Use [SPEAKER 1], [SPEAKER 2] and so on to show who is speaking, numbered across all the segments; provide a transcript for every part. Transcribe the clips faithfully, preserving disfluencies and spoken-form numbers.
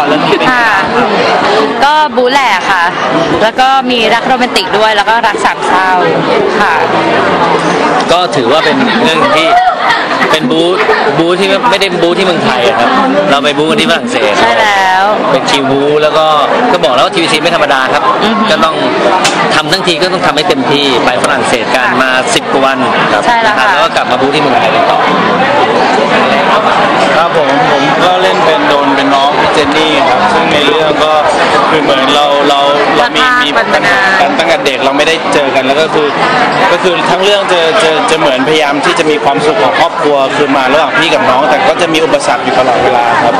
[SPEAKER 1] รเรื่องนี้เป็นค่ะ
[SPEAKER 2] ก็บู๊แหละค่ะแล้วก็มีรักโรแมนติกด้วยแล้วก็รักสามเศร้าค่ะ
[SPEAKER 1] ก็ถือว่าเป็นเรื่องที่เป็นบู๊บู๊ที่ไม่ได้บู๊ที่เมืองไทยครับเราไปบู๊กันที่ฝรั่งเศส
[SPEAKER 2] ใช่แล้ว
[SPEAKER 1] เป็นคิวบู๊แล้วก็ก็บอกแล้วว่าทีวีซีไม่ธรรมดาครับก็ต้องทำทั้งทีก็ต้องทำให้เต็มที่ไปฝรั่งเศสกันมาสิบกว่าวันครับนะครับแล้วก็กลับมาบู๊ที่เมืองไทยต่อ
[SPEAKER 3] ครับผมผมก็เล่นเป็นโดนเป็นน้องเจนนี่ครับซึ่งในเรื่องก็คือเหมือนเราเราเรามีมีปัญหากันตั้งแต่เด็กเราไม่ได้เจอกันแล้วก็คือก็คือทั้งเรื่องจะจะจะเหมือนพยายามที่จะมีความสุขของครอบครัวคือมาระหว่างพี่กับน้องแต่ก็จะมีอุปสรรคอยู่ตลอดเวลาครับ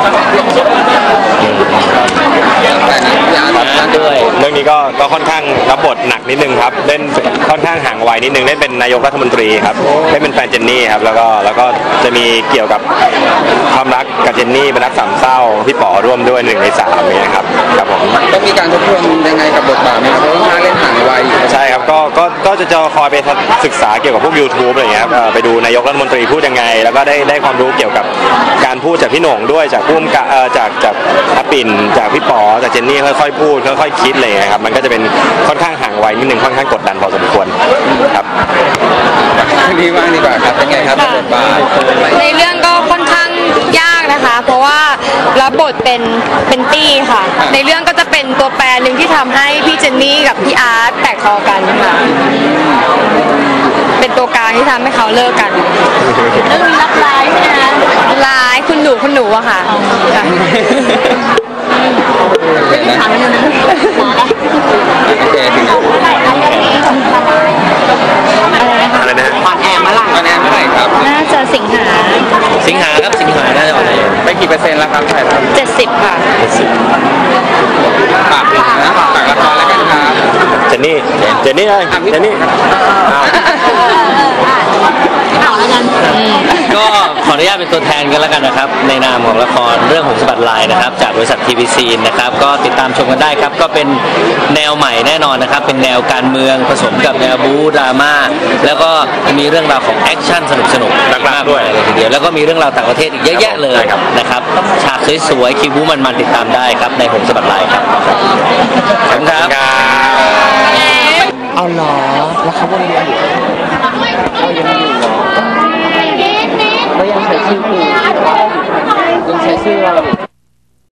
[SPEAKER 4] ด้วยเรื่องนี้ก็ก็ค่อนข้างรับบทหนักนิดนึงครับเล่นค่อนข้างห่างวัยนิดนึงเล่นเป็นนายกรัฐมนตรีครับเล่นเป็นแฟนเจนนี่ครับแล้วก็แล้วก็จะมีเกี่ยวกับความรักกับเจนนี่เป็นรักสามเศร้าพี่ป๋อร่วมด้วยหนึ่งในสามนี้ครับครับผม
[SPEAKER 5] ต้องมีการทบทวนยังไงกับบทบาทไหมครับเพราะว่าเล่นห่างวัย
[SPEAKER 4] ใช่ครับก็ก็ก็จะจะคอยไปศึกษาเกี่ยวกับพวก ยูทูบ อะไรเงี้ยครับไปดูนายกรัฐมนตรีพูดยังไงแล้วก็ได้ได้ความรู้เกี่ยวกับการพูดจากพี่หน่งด้วยจากผู้กำกับจากจากอาปิ่นจากพี่ป๋อจากเจนนี่ค่อยๆพูดค่อยๆคิดอะไรเงี้ยครับมันก็จะเป็นค่อนข้างห่างวัยนิดนึงค่อนข้างกดดันพอสมควรครับ
[SPEAKER 5] ดีมากดีกว่าครับเป็นไงครับบทบาท
[SPEAKER 2] ในเรื่องก็ค่อนข้างยากนะคะเพราะว่ารับบทเป็นเป็นตี้ค่ะในเรื่องก็จะเป็นตัวแปรหนึ่งที่ทำให้พี่เจนนี่กับพี่อาร์ตแตกคอกันค่ะเป็นตัวกลางที่ทำให้เขาเลิกกันแล้วมีรับร้ายใช่ไหมคะร้ายคุณหนูคุณหนูอะค่ะ
[SPEAKER 4] อะไรนะ
[SPEAKER 5] ออนแอร์เมื่อไหร่ออนแอร์เมื่อไหร่ครับ
[SPEAKER 2] น่าจะสิงหา
[SPEAKER 1] สิงหาครับสิงหาน่าจะออนแอร์
[SPEAKER 5] ไปกี่เปอร์เซ็นต์แล้วครับถ่ายทำ
[SPEAKER 2] เจ็ดสิบค่ะ
[SPEAKER 1] เจ็ดสิบ
[SPEAKER 5] ฝากนะฝากละครแล้วกันครับ
[SPEAKER 4] เจนนี่เจนนี่เลยเจนนี่
[SPEAKER 1] ก็ขออนุญาตเป็นตัวแทนกันแล้วกันนะครับในนามของละครเรื่องหงส์สะบัดลายนะครับจากบริษัททีวีซีนะครับก็ติดตามชมกันได้ครับก็เป็นแนวใหม่แน่นอนนะครับเป็นแนวการเมืองผสมกับแนวบู๊ดราม่าแล้วก็มีเรื่องราวของแอคชั่นสนุกๆมากๆด้วยเลยทีเดียวแล้วก็มีเรื่องราวต่างประเทศอีกเยอะแยะเลยนะครับฉากสวยๆคิวบู๊มันๆติดตามได้ครับในหงส์สะบัดลายครับขอบคุณครับ